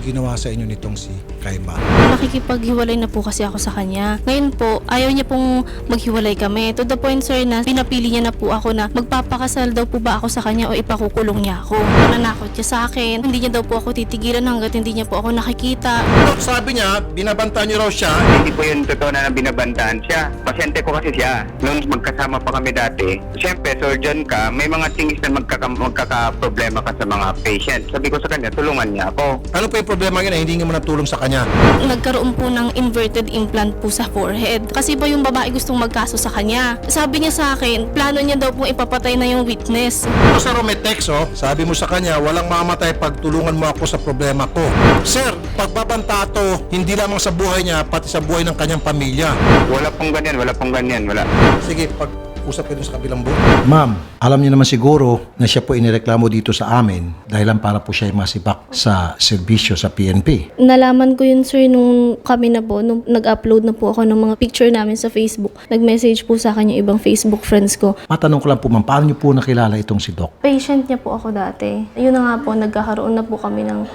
ginawa sa inyo nitong si Kayman? Nakikipaghiwalay na po kasi ako sa kanya. Ngayon po, ayaw niya pong maghiwalay kami. To the point, sir, na pinapili niya na po ako na magpapakasal daw po ba ako sa kanya o ipakukulong niya ako. Nanakot niya sa akin. Hindi niya daw po ako titigilan hanggat hindi niya po ako nakikita. Sabi niya, binabantaan niyo raw siya. Hindi po yun totoo na binabantaan siya. Pasyente ko kasi siya. Nung magkasama pa kami dati, siyempre, surgeon ka, may mga things na magkaka-problema ka sa mga patient. Sabi ko sa kanya, tulungan niya ako. Ano pa yung problema niya na hindi nga mo natulong sa kanya? Nagkaroon po ng inverted implant po sa forehead. Kasi ba yung babae gustong magkaso sa kanya. Sabi niya sa akin, plano niya daw pong ipapatay na yung witness. Sa Rometex, sabi mo sa kanya, walang mamatay pag tulungan mo ako sa problema ko. Sir, pagbabanta to, hindi lamang sa buhay niya, pati sa buhay ng kanyang pamilya. Wala pong ganyan, wala. Sige, usap kayo sa kabilang booth. Ma'am, alam niyo naman siguro na siya po inireklamo dito sa amin dahil lang para po siya masibak sa serbisyo sa PNP. Nalaman ko yun, sir, nung kami na po, nung nag-upload na po ako ng mga picture namin sa Facebook. Nag-message po sa akin yung ibang Facebook friends ko. Matanong ko lang po ma'am, paano niyo po nakilala itong si Doc? Patient niya po ako dati. Yun na nga po, nagkakaroon na po kami ng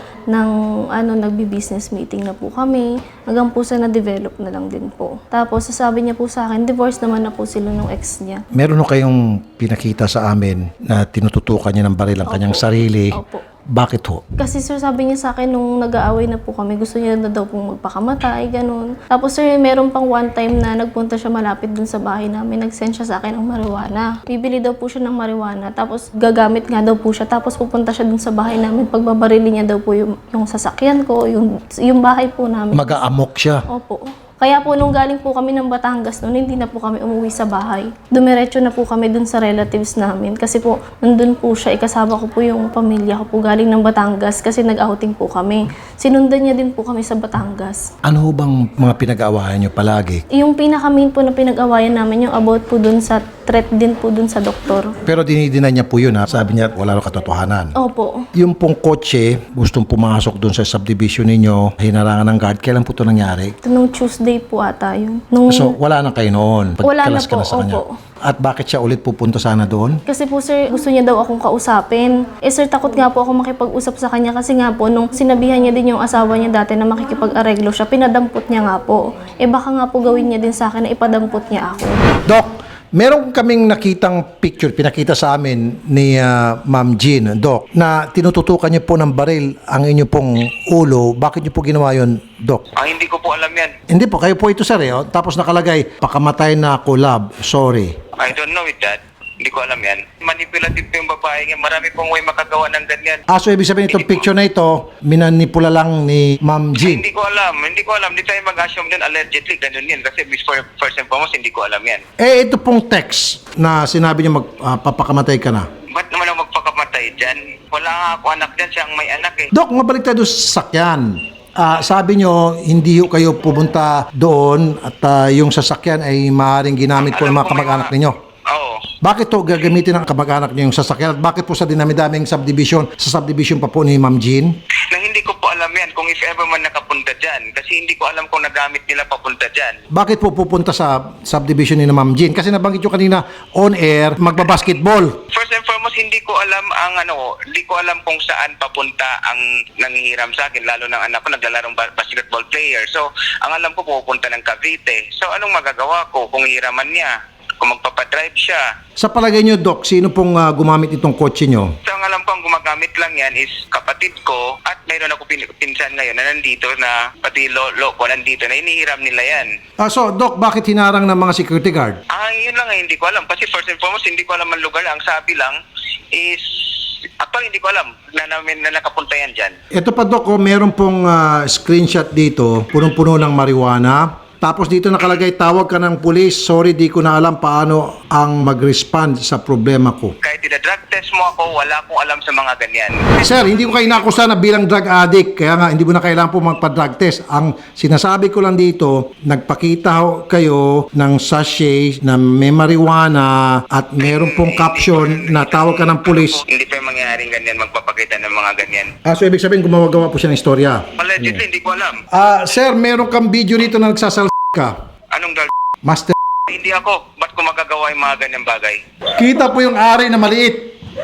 nagbi-business meeting na po kami. Hanggang po sa na-develop na lang din po. Tapos sasabi niya po sa akin, divorce naman na po sila ng ex niya. Meron kayong pinakita sa amin na tinututukan niya ng baril ang kanyang sarili. Opo. Bakit ho? Kasi sir, sabi niya sa akin nung nag-aaway na po kami, gusto niya na daw pong magpakamatay, ganun. Tapos sir, meron pang one time na nagpunta siya malapit dun sa bahay namin, nag-send siya sa akin ng marijuana. Bibili daw po siya ng marijuana, tapos gagamit nga daw po siya, tapos pupunta siya dun sa bahay namin, pagbabarili niya daw po yung sasakyan ko, yung bahay po namin. Mag-aamok siya. Opo. Kaya po nung galing po kami ng Batangas noon, hindi na po kami umuwi sa bahay. Dumiretso na po kami dun sa relatives namin kasi po nandun po siya, ikasama ko po yung pamilya ko po galing ng Batangas kasi nag-outing po kami. Sinundan niya din po kami sa Batangas. Ano ho bang mga pinag-aawayan niyo palagi? Yung pinaka-main po na pinag-awayan namin yung about po dun sa threat din po dun sa doktor. Pero dinidinay niya po yun ha. Sabi niya wala raw katotohanan. Opo. Yung pong kotse, gustong pumasok dun sa subdivision ninyo, hinarangan ng guard. Kailan po ito nangyari? Ito nung Tuesday po ata yun. Nung, So, wala na kayo noon. Wala na Pagkalas ka po, na sa kanya. opo. At bakit siya ulit pupunta sana doon? Kasi po sir, gusto niya daw akong kausapin. Sir, takot nga po ako makipag-usap sa kanya kasi nga po, nung sinabihan niya din yung asawa niya dati na makikipag-areglo siya, pinadampot niya nga po. Baka nga po gawin niya din sa akin na ipadampot niya ako. Doc, meron kaming nakitang picture, pinakita sa amin ni Ma'am Jean, Doc, na tinututukan niyo po ng baril ang inyo pong ulo. Bakit niyo po ginawa yun, Doc? Hindi ko po alam yan. Hindi po, kayo po ito sir. Tapos nakalagay, pakamatay na ako, love. Sorry. I don't know with that. Hindi ko alam yan. Manipulative po yung babae niya. Marami pong way makagawa ng ganyan. So ibig sabihin itong picture na ito, minanipula lang ni Ma'am Jean. Hindi ko alam. Hindi tayo mag-assume din allegedly. Ganun yan. Kasi first and foremost, hindi ko alam yan. Ito pong text na sinabi niya magpapakamatay ka na. Ba't naman ako magpakamatay dyan? Wala nga ako anak dyan. Siya ang may anak eh. Dok, mabalik tayo sa sakyan. Sabi nyo, hindi kayo pupunta doon at yung sasakyan ay maaaring ginamit po ng mga kamag-anak ninyo. Oo. Bakit to gagamitin ng kamag-anak niyo yung sasakyan? At bakit po sa dinami-daming subdivision, sa subdivision pa po ni Ma'am Jean? Na hindi ko po alam yan kung if ever man nakapunta dyan. Kasi hindi ko alam kung nagamit nila papunta dyan. Bakit po pupunta sa subdivision ni Ma'am Jean? Kasi nabanggit nyo kanina, on air, magbabasketball. First and foremost, hindi ko alam hindi ko alam kung saan papunta ang nanghihiram sa akin, lalo ng anak ko naglalarong basketball player. So, ang alam ko pupunta ng Cavite. So, anong magagawa ko kung hiraman niya? Kung magpapadrive siya. Sa palagay nyo, Doc, sino pong gumamit itong kotse nyo? So, ang alam ko ang gumagamit lang yan is kapatid ko at mayroon ako pinsan ngayon na nandito na pati lolo ko nandito na inihiram nila yan. So, Doc, bakit hinarang ng mga security guard? Yun lang hindi ko alam. Kasi first and foremost, hindi ko alam ang lugar. Ang sabi lang is, actually hindi ko alam na nakapunta yan dyan. Ito pa, Doc, meron pong screenshot dito, punong-puno ng marijuana. Tapos dito nakalagay, tawag ka ng pulis, sorry di ko na alam paano ang mag-respond sa problema ko. Kahit ina-drug test mo ako, wala akong alam sa mga ganyan. Sir, hindi ko kayo nakusa na bilang drug addict, kaya nga hindi mo na kailangan po magpa-drug test. Ang sinasabi ko lang dito, nagpakita kayo ng sachet na may marijuana at meron pong caption na tawag ka ng pulis. Hindi pa yung mangyayaring ganyan, magpapakita ng mga ganyan. So ibig sabihin gumawa-gawa po siya ng istorya. Allegedly, hindi ko alam. Sir, meron kang video dito na nagsasal ka. Anong Master. Hindi ako. Ba't ko magagawa yung mga ganyang bagay? Kita po yung ari na maliit.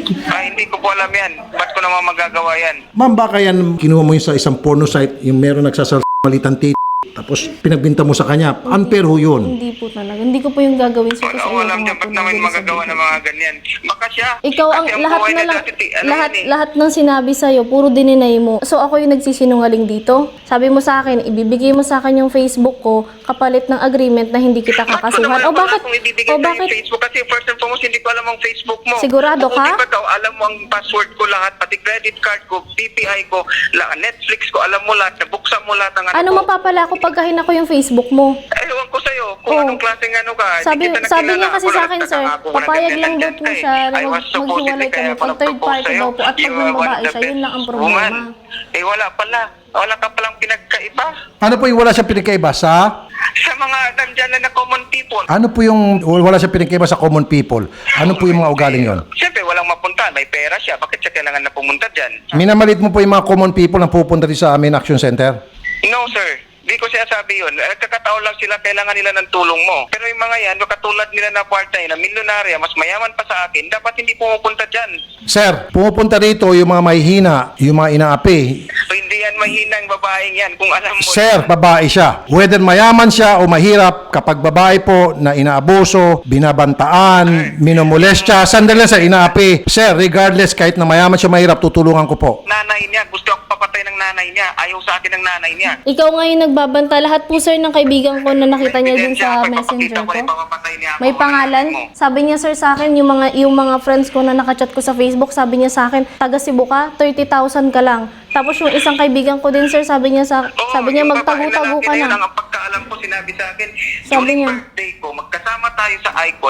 Hindi ko po alam yan. Ba't ko naman magagawa yan? Ma'am, baka yan kinuha mo yun sa isang porno site, yung meron nagsasalitan titi, tapos pinagbinta mo sa kanya. Unfair ho yun. Hindi po talaga. Hindi ko po yung gagawin sir kasi Wala alam ayoko nga dyan, po ba't naman nabili sa magagawa video. ng mga ganyan? Baka siya. Ikaw ang Kasi lahat buhay na lang, dati, ano lahat, yan eh. lahat ng sinabi sa'yo, puro dininay mo. So ako yung nagsisinungaling dito. Sabi mo sa akin, ibibigay mo sa akin yung Facebook ko kapalit ng agreement na hindi kita Ba't ko kakasuhan. naman O bakit? kung ibibigay O sa bakit? Facebook? Kasi first and foremost, hindi ko alam ang Facebook mo. Sigurado Kung ka? Hindi ba daw, alam mo ang password ko lahat, pati credit card ko, PPI ko, Netflix ko, alam mo lahat, nabuksan mo lahat ng Ano ko. mapapala ko pagkahin ako yung Facebook mo? Ewan ko sa'yo kung Oh. anong klaseng ano ka. Sabi- Hindi kita sabi nakilala. niya kasi Ako sa lang akin, nagtaka sir, ako, walang papayag ganyan lang daw nandyan po ka eh. siya na I was supposedly maghiwalay kaya kami. ako Pag third nag-propose party sa'yo. daw po at pag You ng are one babae of the siya, yun lang ang best problema. woman. Wala pala. Wala ka palang pinagkaiba. Ano po yung wala siya pinagkaiba sa? Sa mga nandyan na common people. Ano po yung wala siya pinagkaiba sa common people? Ano po yung mga ugaling yon? Siyempre, walang mapunta. May pera siya. Bakit siya kailangan na pumunta dyan? Minamalit mo po yung mga common people na pupunta rin sa amin action center? No, sir. Di ko siya sabi yun. Kakataon lang sila, kailangan nila ng tulong mo. Pero yung mga yan, katulad nila na part-time, na milyonarya, mas mayaman pa sa akin, dapat hindi pumupunta dyan. Sir, pumupunta rito yung mga mahihina, yung mga inaapi. So, hindi yan mahinang babaeng yan. Kung alam mo... Sir, babae siya. Whether mayaman siya o mahirap, kapag babae po na inaabuso, binabantaan, minumolestya, sandali lang sir, inaapi. Sir, regardless, kahit na mayaman siya mahirap, tutulungan ko po. Nanay niya, gusto ako papatay ng nanay niya. Ayaw sa akin ng nanay niya. Ikaw ngayon nagbabanta. Lahat po sir ng kaibigan ko na nakita niya dun sa Pag messenger papakita ko, ko. ipapapatay niya ako. May pangalan. Mo. Sabi niya sir sa akin, yung mga friends ko na nakachat ko sa Facebook, sabi niya sa akin, taga Cebu ka, 30,000 ka lang. Tapos yung isang kaibigan ko din sir, sabi niya Oo, sabi niya yung babae magtago-tago lalaki ka na yun, na. ang pagkaalam ko, sinabi sa akin, Sabi during niya. birthday ko, magkasama tayo sa Icon,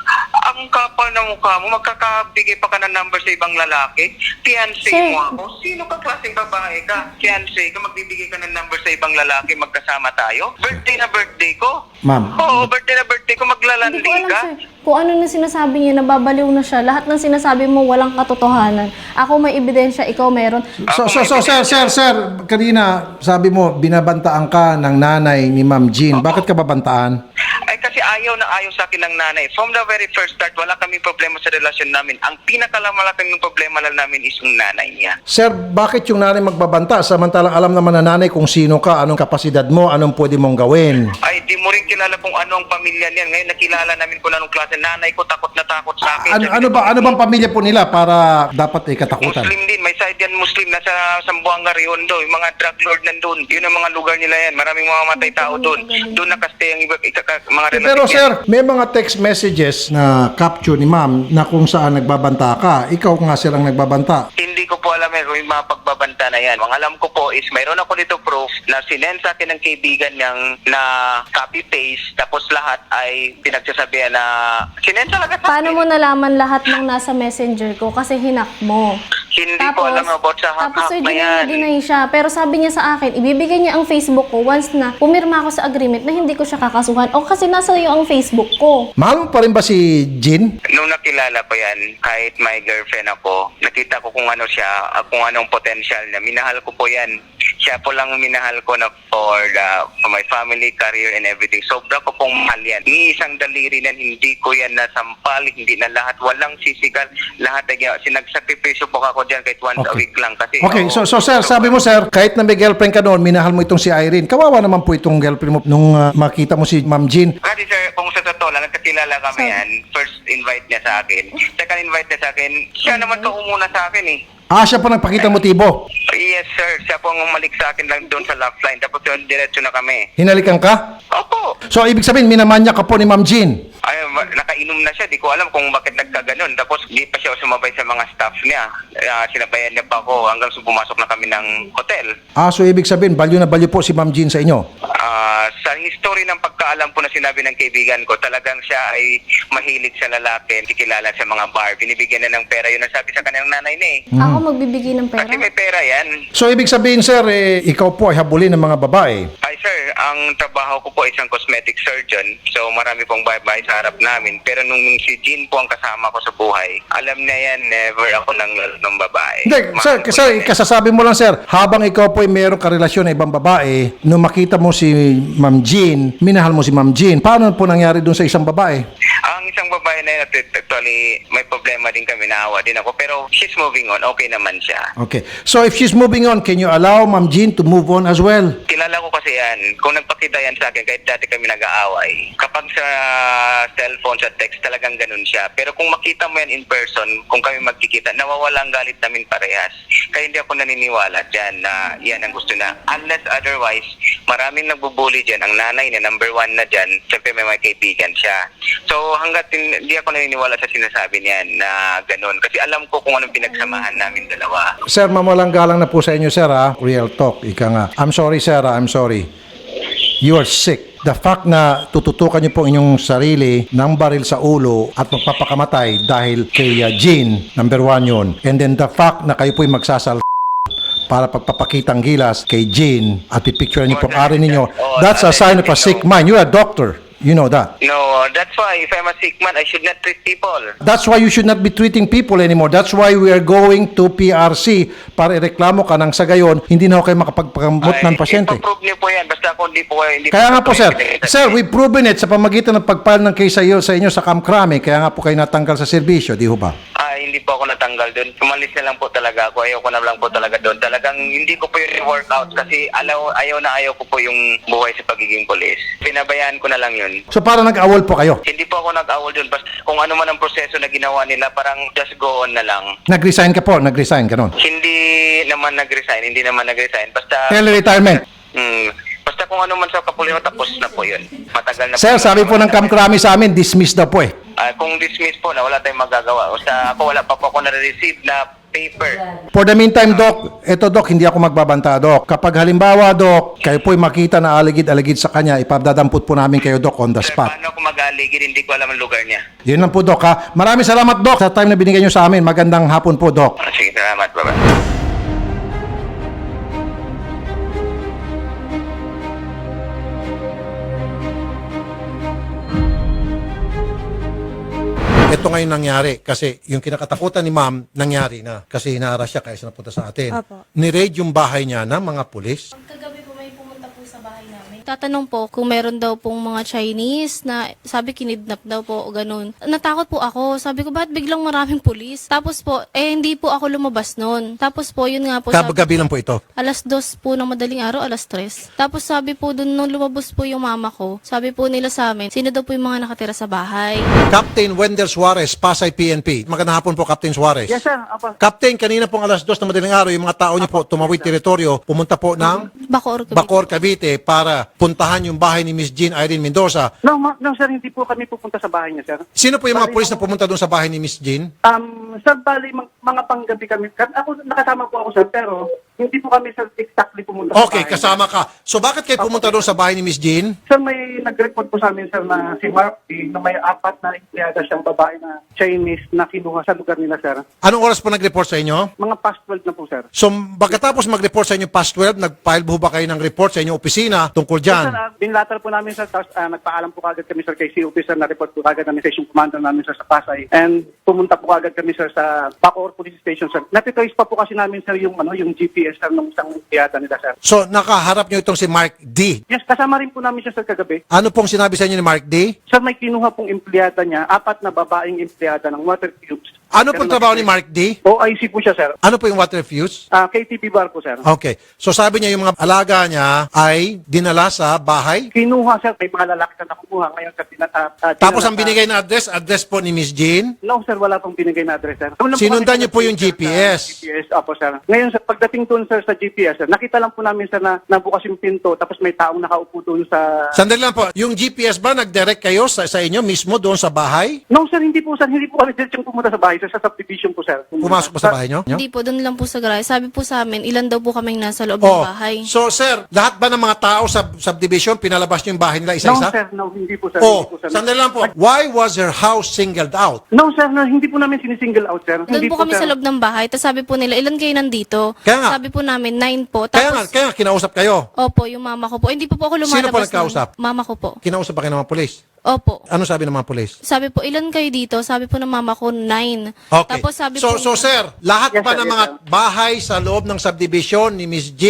ang kapal ng mukha mo, magkakabigay pa ka ng number sa ibang lalaki, fiancé Sir. mo ako, sino ka klaseng babae ka? Fiancé ka, magbibigay ka ng number sa ibang lalaki, magkasama tayo? Birthday na birthday ko? Ma'am. Oo, birthday na birthday ko, Hindi maglalandi ko alam ka? sir, kung ano na sinasabi niya, nababaliw na siya. Lahat ng sinasabi mo, walang katotohanan. Ako may ebidensya, ikaw meron. Sir, kanina sabi mo, binabantaan ka ng nanay ni Ma'am Jean. Bakit ka babantaan? Ay kasi ayaw na ayaw sa akin ng nanay. From the very first start, wala kaming problema sa relasyon namin. Ang pinakamalaking problema lang namin is yung nanay niya. Sir, bakit yung nanay magbabanta? Samantalang alam naman na nanay kung sino ka, anong kapasidad mo, anong pwede mong gawin. Ay, di mo rin kilala kung ano ang pamilya niyan. Ngayon nakilala namin kung anong klase. Nanay ko takot na takot sa akin. Ano bang pamilya po nila para dapat katakutan? Muslim din. May side yan Muslim. Nasa Sambuanga, Riondo. Yung mga drug lord nandun. Yun ang mga lugar nila yan. Maraming mga matay tao doon. Doon nakastay ang mga relative Pero niya. sir, may mga text messages na capture ni ma'am na kung saan nagbabanta ka. Ikaw nga sir ang nagbabanta. Hindi ko po alam kung yung mga pagbabanta na yan. Ang alam ko po is mayroon ako dito proof na sinend sa akin ng kaibigan niyang na copy-paste tapos lahat ay pinagsasabihan na sinend talaga sa Paano akin. mo nalaman lahat ng nasa messenger ko? Kasi hinak mo. Hindi ko alam about sa tapos hack sir, na yan. dinay siya. Pero sabi niya sa akin, ibibigay niya ang Facebook ko once na pumirma ako sa agreement na hindi ko siya kakasuhan. O kasi nasa iyo ang Facebook ko. Mahal mo pa rin ba si Jean? Nung nakilala ko yan, kahit may girlfriend ako, nakita ko kung ano siya, kung anong potential niya. Minahal ko po yan. Siya po lang minahal ko na for my family, career, and everything. Sobra ko pong mahal yan. Ni isang daliri na hindi ko yan nasampal, hindi na lahat, walang sisigal. Lahat ay sinagsakripisyo po ako dyan kahit once a week lang. Kasi, Okay, so sir, sabi mo sir, kahit na may girlfriend ka noon, minahal mo itong si Irene. Kawawa naman po itong girlfriend mo nung makita mo si Ma'am Jean. Kasi sir, kung sa totoo lang, nagkakilala kami yan, first invite niya sa akin. Second invite niya sa akin, siya naman to umuna sa akin eh. Siya pa nagpakita motibo. Yes sir, siya po ang umalik sa akin lang doon sa love line. Tapos yun, diretso na kami. Hinalikan ka? Opo. So, ibig sabihin, minamanya ka po ni Ma'am Jean. Ay, nakainom na siya. Di ko alam kung bakit nagkaganon. Tapos di pa siya sumabay sa mga staff niya. Sinabayan niya pa ako hanggang sa pumasok na kami ng hotel. So ibig sabihin, balyo na balyo po si Ma'am Jean sa inyo. Sa history ng pagkaalam po na sinabi ng kaibigan ko, talagang siya ay mahilig sa lalaki, kilala sa mga bar. Binibigyan na ng pera. Yun ang sabi sa kanyang nanay niya eh. Ako magbibigay ng pera. Kasi may pera yan. So ibig sabihin, sir, ikaw po ay habulin ng mga babae. Ay sir, ang trabaho ko po ay isang cosmetic surgeon. So marami pong babae sa harap namin. Pero nung si Jean po ang kasama ko sa buhay, alam na yan, never ako ng babae. Hindi, sir, Mahal ko sir, yan eh. kasasabi mo lang, sir, habang ikaw po ay mayroong karelasyon na ibang babae, nung makita mo si Ma'am Jean, minahal mo si Ma'am Jean, paano po nangyari dun sa isang babae? Ang isang babae na yun, actually, may problema din kami, naawa din ako. Pero she's moving on, okay naman siya. Okay. So if she's moving on, can you allow Ma'am Jean to move on as well? Kilala ko kasi yan. Kung nagpakita yan sa akin, kahit dati kami nag-aaway, kapag sa cellphone, sa text, talagang ganun siya. Pero kung makita mo yan in person, kung kami magkikita, nawawala ang galit namin parehas. Kaya hindi ako naniniwala dyan na yan ang gusto na. Unless otherwise, maraming nagbubuli dyan. Ang nanay na number 1 na dyan, siyempre may mga kaibigan siya. So hanggat hindi ako naniniwala sa sinasabi niyan na ganun. Kasi alam ko kung anong pinagsamahan namin dalawa. Sir, mawalang galang na po sa inyo, sir, ha? Real talk, ika nga. I'm sorry, sir, I'm sorry. You are sick. The fact na tututukan niyo po inyong sarili ng baril sa ulo at magpapakamatay dahil kay Jean, number 1 yun. And then the fact na kayo po'y magsasal para pagpapakitang gilas kay Jean at pipicture niyo pong ari ninyo, that's a sign of a sick mind. You're a doctor. You know that. No, that's why if I'm a sick man, I should not treat people. That's why you should not be treating people anymore. That's why we are going to PRC para ireklamo ka nang sa gayon, hindi na ako kayo makapagpagamot ng pasyente. Ipaprove niyo po yan. Basta kung hindi po hindi Kaya nga po, sir. Sir, we've proven it sa pamagitan ng pag-file ng case sa inyo sa Kamkrame. Kaya nga po kayo natanggal sa serbisyo, di ho ba? Hindi po ako natanggal doon. Umalis na lang po talaga ako. Ayaw ko na lang po talaga doon. Talagang hindi ko po yung workout kasi ayaw ko po yung buhay sa pagiging polis. Pinabayaan ko na lang yun. So parang nag-awol po kayo? Hindi po ako nag-awol doon. Basta kung ano man ang proseso na ginawa nila, parang just go on na lang. Nag-resign ka po? Nag-resign, ganon? Hindi naman nag-resign. Basta... Early retirement? Basta kung ano man sa kapulisan, tapos na po yun. Matagal na Sir, po. sabi po ng Kamkrame sa amin, dismiss daw po eh. Kung dismiss po na, wala tayong magagawa. Basta ako, wala pa po ako na-receive na paper. For the meantime, Doc, eto Doc, hindi ako magbabanta, Doc. Kapag halimbawa, Doc, kayo po'y makita na aligid-aligid sa kanya, ipadadampot po namin kayo, Doc, on the Sir, spot. paano ako mag-aligid? Hindi ko alam ang lugar niya. Yun lang po, Doc, ha? Maraming salamat, Doc, sa time na binigay nyo sa amin. Magandang hapon po, Doc. Sige, salamat. Bye-bye. Ito ngayon nangyari kasi yung kinakatakutan ni ma'am nangyari na kasi hinaharas siya kaya siya napunta sa atin. Opo. Ni-raid yung bahay niya ng mga pulis. Kagabi po may pumunta po sa bahay namin. Tatanong po kung meron daw pong mga Chinese na sabi kinidnap daw po o ganun. Natakot po ako. Sabi ko, bakit biglang maraming pulis? Tapos po, hindi po ako lumabas noon. Tapos po, yun nga po. Gabi lang po ito. Alas 2 po ng madaling araw, alas 3. Tapos sabi po dun nung lumabas po yung mama ko, sabi po nila sa amin, sino daw po yung mga nakatira sa bahay. Captain Wendell Suarez, Pasay PNP. Magandang hapon po, Captain Suarez. Yes, sir. Apa. Captain, kanina pong alas 2 ng madaling araw, yung mga tao niyo po tumawid teritoryo, pumunta po ng Bacoor, Cavite. Bacoor, Cavite para puntahan yung bahay ni Miss Jean Irene Mendoza. No, sir, hindi po kami pupunta sa bahay niya, sir. Sino po yung mga pulis na pumunta doon sa bahay ni Miss Jean? Sir, bali, mga panggabi kami. Ako, nakasama po ako, sir, pero hindi po kami, sir, exactly pumunta Okay, sa bahay. kasama ka. So bakit kayo pumunta doon sa bahay ni Miss Jean? Sir, may nag-report po sa amin, sir, na si Mark D, na may 4 na empleyada siyang babae na Chinese na kinuha sa lugar nila, sir. Anong oras po nag-report sa inyo? Mga past 12 na po, sir. So, pagkatapos mag-report sa inyo past 12, nag-file po ba kayo ng report sa inyong opisina tungkol Sir, dyan? binlatar po namin, sir, tapos nagpaalam po kagad kami, sir, kay COP, sir, na-report po kagad namin sa station commander namin, sir, sa Pasay. And pumunta po kagad kami, sir, sa Bacoor Police Station, sir. Natitoys pa po kasi namin, sir, yung GPS, sir, ng isang empleyada nila, sir. So, nakaharap nyo itong si Mark D. Yes, kasama rin po namin siya, sir, kagabi. Ano pong sinabi sa inyo ni Mark D? Sir, may kinuha pong empleyada niya, 4 na babaeng empleyada ng water tubes. Ano pong trabaho ni Mark D? OIC po siya, sir. Ano po yung water fuse? KTP bar po, sir. Okay. So, sabi niya yung mga alaga niya ay dinala sa bahay. Kinuha, sir, may mga lalaki na nakukuha ngayon sa Tapos ang binigay na address po ni Miss Jean. No, sir, wala pong binigay na address, sir. Sinundan niyo po yung GPS. GPS, opo, sir. Ngayon, sir, pagdating doon, sir, sa GPS, sir, nakita lang po namin, sir, na nabukas yung pinto, tapos may taong nakaupo doon sa... Sandali lang po. Yung GPS ba nag-direct kayo sa inyo mismo doon sa bahay? No, sir, hindi po, sir. Hindi po kami diretsong pumunta sa bahay, sir, sa subdivision po, sir. Pumasok po sa bahay nyo? Hindi po, doon lang po sa garahe. Sabi po sa amin, ilan daw po kaming nasa loob Oh, ng bahay. so sir, lahat ba ng mga tao sa subdivision, pinalabas nyo yung bahay nila No, isa-isa? sir, no, hindi po, sir. Oh, Hindi po, sir. sandali lang po. Why was her house singled out? No, sir, no, hindi po namin sinisingle out, sir. Doon Hindi po kami sir. sa loob ng bahay. Tapos sabi po nila, ilan kayo nandito? Kaya nga. Sabi po namin, 9 po. Kaya nga, Tapos, kinausap kayo. opo, yung mama ko po. Hindi po ako lumalabas. Sino po nagkausap? nun. Mama ko po. Kinausap ba kayo ng mga polis? Opo. Ano sabi ng mga polis? Sabi po, ilan kayo dito? Sabi po ng mama ko, 9. Okay. Tapos sabi so, po, so sir, lahat Yes, ba sir, ng yes, mga sir. bahay sa loob ng subdivision ni Miss Jean,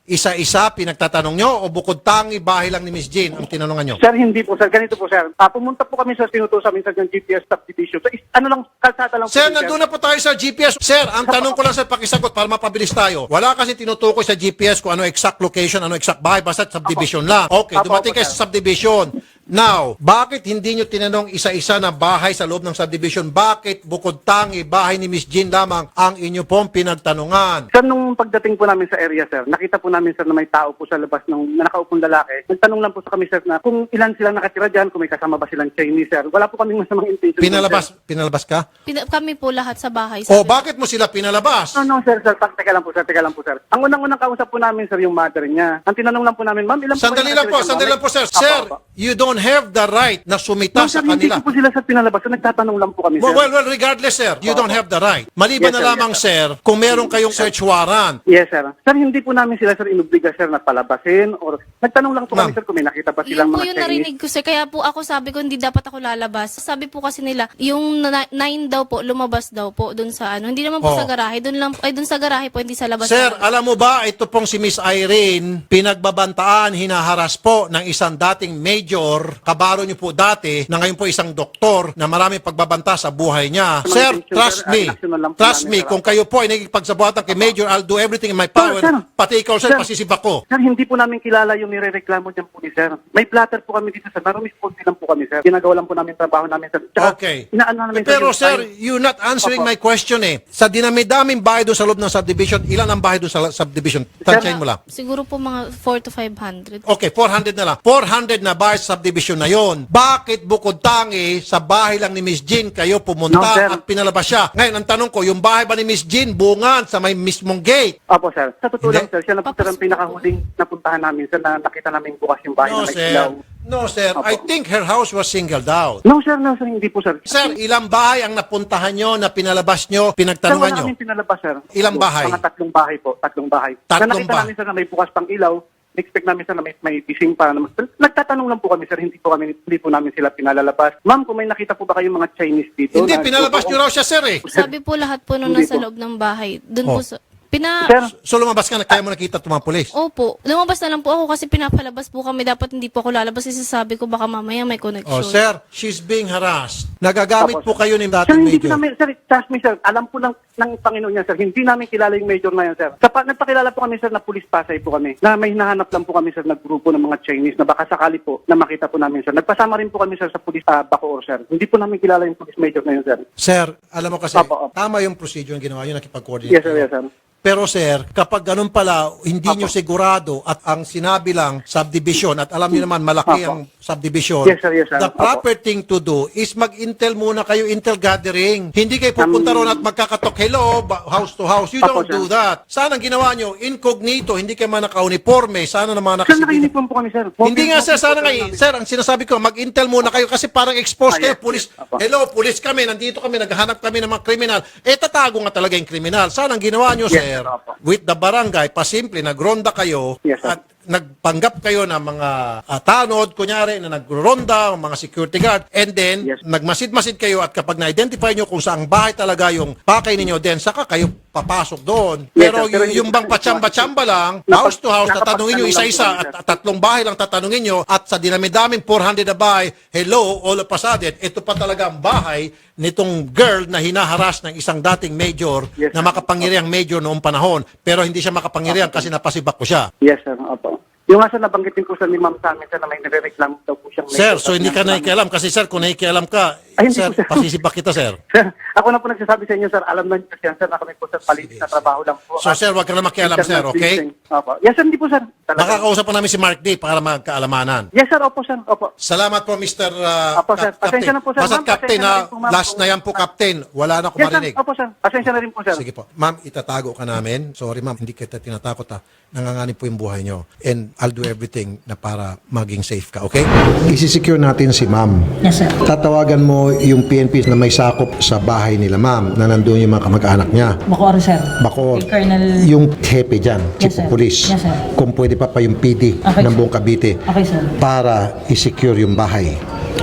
isa-isa pinagtatanong nyo o bukod tangi bahay lang ni Miss Jean ang tinanungan nyo? Sir, hindi po sir. Ganito po sir. Pumunta po kami sa tinutusan minsan ng GPS subdivision. So, ano lang, kalsada lang po. Sir, yun, nandun na po tayo sa GPS. Sir, ang tanong ko lang sa pakisagot para mapabilis tayo. Wala kasi tinutukoy sa GPS kung ano exact location, ano exact bahay, basta subdivision lang. Okay, Apo, dumating apo, kayo sir. sa subdivision. Now, bakit hindi nyo tinanong isa-isa na bahay sa loob ng subdivision? Bakit bukod tangi bahay ni Miss Jean lamang ang inyo pong pinagtanungan? Sir, nung pagdating po namin sa area, sir, nakita po namin, sir, na may tao po sa labas ng na nakaupong lalaki. Nagtanong lang po sa kami, sir, na kung ilan silang nakatira dyan, kung may kasama ba silang Chinese, sir. Wala po kaming masamang intention. Pinalabas ka? Kami po lahat sa bahay. O bakit mo sila pinalabas? No, sir. Teka lang po, sir. Ang unang-unang kausap po namin, sir, yung mother niya. Ang tinanong lang po namin, ma'am, ilan po Sandali lang po, sir. Sir, you don't have the right na sumita No, sa sir, hindi kanila. ko po sila, sir, pinalabas. So, nagtatanong lang po kami, sir. Well, regardless, sir, you don't have the right. Maliban Yes, na sir, lamang, yes, sir, kung meron kayong search warrant. Yes, sir. Sir, hindi po namin sila, sir, inubliga, sir, na palabasin or nagtanong lang po Ma'am. kami, sir, kung may nakita ba Yun silang po mga yung Chinese. narinig ko, sir. Kaya po ako sabi ko, hindi dapat ako lalabas. Sabi po kasi nila, yung 9 daw po, lumabas daw po dun sa ano. Hindi naman po Oh. sa garahe. Dun sa garahe po, hindi sa labas. Sir, alam mo ba, ito pong si Miss Irene, pinagbabantaan, hinaharas po ng isang dating major, kabaro niyo po dati, na ngayon po isang doktor na marami pagbabanta sa buhay niya. Sa mga Sir, intention, trust sir, me. inaksyonan lang po Trust namin, me, sir. kung kayo po ay nagigipagsabuatan kay Major, I'll do everything in my power. Sir, Pati ikaw, sir, sir. pasisibak ko. Sir, hindi po namin kilala yung nirereklamo niyan po ni sir. May platter po kami dito, sir. Narumisponde lang po kami, sir. Ginagawa lang po namin trabaho namin, sir. Tsaka, Okay. Inaano namin, Pero yung sir, time. you're not answering Opo. my question eh. Sa dinami-daming bahay doon sa loob ng subdivision, ilan ang bahay doon sa subdivision? Tansyahin mo lang. Siguro po mga 4 to 500. Okay, 400 na lang. 400 na bahay sa subdivision na yon. Bakit bukod tangi sa bahay lang ni Miss Jean kayo pumunta No, sir. at pinalabas siya? Ngayon, ang tanong ko, yung bahay ba ni Miss Jean bungan sa may mismong gate? Opo, sir. Sa totoo Hindi. lang, sir, siya na po, sir, ang pinakahuling napuntahan namin, sir, na nakita namin bukas yung bahay No, na may sir. ilaw. No, sir. Opo. I think her house was singled out. No, sir, hindi po, sir. Sir, ilang bahay ang napuntahan nyo, na pinalabas nyo, Sir, pinagtanungan wala nyo? kaming pinalabas, sir. Ilang Opo, bahay? Mga 3 bahay po. 3 bahay. Tatlong Na nakita bahay. namin, sir, na may bukas pang ilaw. Expect namin, sir, na may bising pa. Nagtatanong lang po kami, sir. Hindi po namin sila pinalalabas. Ma'am, kung may nakita po ba kayong mga Chinese dito? Hindi, na- pinalabas nyo raw siya, sir eh. Sabi po lahat po nung Hindi nasa po. loob ng bahay. Dun Oh. po sa... Sir, So lumabas ka na, kaya mo nakita itong mga pulis? Opo. Lumabas na lang po ako kasi pinapalabas po kami. Dapat hindi po ako lalabas kasi sabi ko baka mamaya may connection. Oh, sir, she's being harassed. Nagagamit Opo, po kayo ni sir, dating hindi ko major. namin, sir, trust me, sir. Alam po ng Panginoon niya, sir. Hindi namin kilala yung major na yan, sir. Nagpakilala po kami, sir, na police pasay po kami. Na may hinahanap lang po kami, sir, na grupo ng mga Chinese na baka sakali po na makita po namin, sir. Nagpasama rin po kami, sir, sa police Bacoor, sir. Hindi po namin kilala yung police major na yun, sir. Sir, alam mo kasi, Opo. tama yung procedure yung ginawa nyo, nakipag-coordinate. Yes, sir, kayo. yes, sir. Pero sir, kapag ganun pala, hindi nyo sigurado at ang sinabi lang subdivision at alam nyo naman malaki Apo. ang subdivision, Yes, sir, yes, sir. the Apo. proper thing to do is mag-intel muna kayo, intel gathering. Hindi kayo pupunta ron at magkakatok, hello, house to house. You Apo, don't sir. do that. Sana ang ginawa nyo, incognito, hindi kayo man naka-uniforme, sana naman Sir, nakasibig. naka-uniform po kami, sir. Hindi nga sir, sana nga, namin. sir, ang sinasabi ko, mag-intel muna kayo kasi parang exposed kayo, Yes, pulis. yes. Apo. Hello, pulis kami, nandito kami, naghahanap kami ng mga kriminal. Tatago nga talaga yung kriminal. Sana ang ginawa nyo, Yes, sir, sir. Apo. with the barangay, pasimple, nagronda kayo Yes, sir. at nagpanggap kayo ng mga tanod, kunyari, na nagronda, mga security guard, and then, Yes. nagmasid-masid kayo at kapag na-identify nyo kung saang bahay talaga yung pakay ninyo, then saka kayo papasok doon. Yes, Pero sir. Pero yung bang patsamba-tsamba lang, Napag- house to house, tatanungin nyo nakapagtanong isa-isa lang po kami, at 3 bahay lang tatanungin nyo at sa dinami-daming 400 na bahay, hello, all of a sudden, ito pa talaga ang bahay nitong girl na hinaharas ng isang dating major Yes, na sir. makapangyariang major noong panahon, pero hindi siya makapangyarihan kasi napasibak ko siya. Yes, sir. Opo. Yung nga, sir, nabanggit din po, sir, ni ma'am sa amin, sir, na may nire-reklamo daw po siyang Sir, major. so hindi ka nakikialam kasi sir, kung nakikialam ka, Ay, hindi sir, po, sir. pasisibak kita, sir. Sir, ako na po nagsasabi sa inyo, sir. Alam na niyo, sir, na kami po, sir, palit na trabaho lang po. So sir, wag ka na makialam, sir, okay? Opo. Yes, sir, hindi po, sir. Talaga. Makakausap pa namin si Mark D para magkaalamanan. Yes, sir. Opo, sir. Opo. Salamat po, Mr. Apo, sir. Pasensya na po, sir. Basta Ma'am, Captain, pasensya na rin po, ma'am. last na yan po, Captain. Wala na akong Yes, sir. marinig. Opo, sir. Pasensya na rin po, sir. Sige po. Ma'am, itatago ka namin. Sorry, ma'am. Hindi kita tinatakot, ha. Nanganganib po yung buhay nyo. And I'll do everything na para maging safe ka, okay? Isisecure natin si ma'am. Yes, sir. Tatawagan mo yung PNP na may sakop sa bahay nila, ma'am, na nandun yung mga kamag-anak niya. Bacoor, sir. Bako, Kay Colonel... yung hepe dyan, chief Yes, sir. of police. Yes, sir. Kung pwede pa yung PD Okay, ng sir. buong Cavite Okay, sir. para i-secure yung bahay.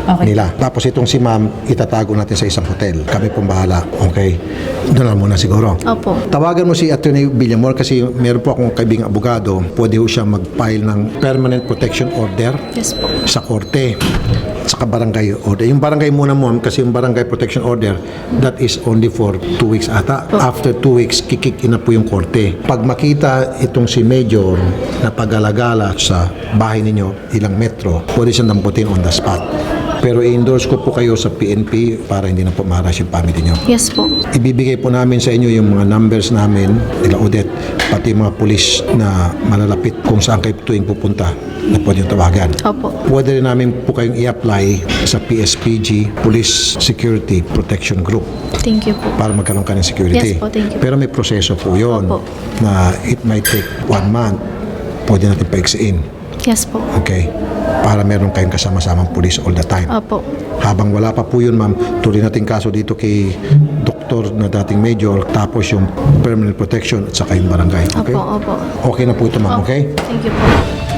nila. Tapos itong si ma'am, itatago natin sa isang hotel. Kami pong bahala. Okay? Doon lang muna siguro. Opo. Tawagan mo si Attorney Villamor kasi meron po akong kaibigang abogado. Pwede ho siya mag-file ng permanent protection order Yes po. sa korte saka barangay order. Yung barangay muna mo kasi yung barangay protection order that is only for 2 weeks ata. After 2 weeks, kikik in na po yung korte. Pag makita itong si Major na pag-alagala sa bahay ninyo, ilang metro, pwede siyang damputin on the spot. Pero i-endorse ko po kayo sa PNP para hindi na po ma-harass yung family nyo. Yes po. Ibibigay po namin sa inyo yung mga numbers namin, nila Odette, pati yung mga pulis na malalapit kung saan kayo tuwing pupunta na pwede yung tawagan. Opo. Pwede rin namin po kayong i-apply sa PSPG, Police Security Protection Group, Thank you po. para magkaroon ka ng security. Yes po, thank you. Pero may proseso po yun Opo. na it might take 1 month. Pwede natin paiksiin. Yes po. Okay? Para meron kayong kasama-samang pulis all the time. Opo. Habang wala pa po yun, ma'am, tuloy natin kaso dito kay doktor na dating major, tapos yung permanent protection at saka yung barangay. Okay? Opo, opo. Okay na po ito, ma'am. Okay? Thank you po.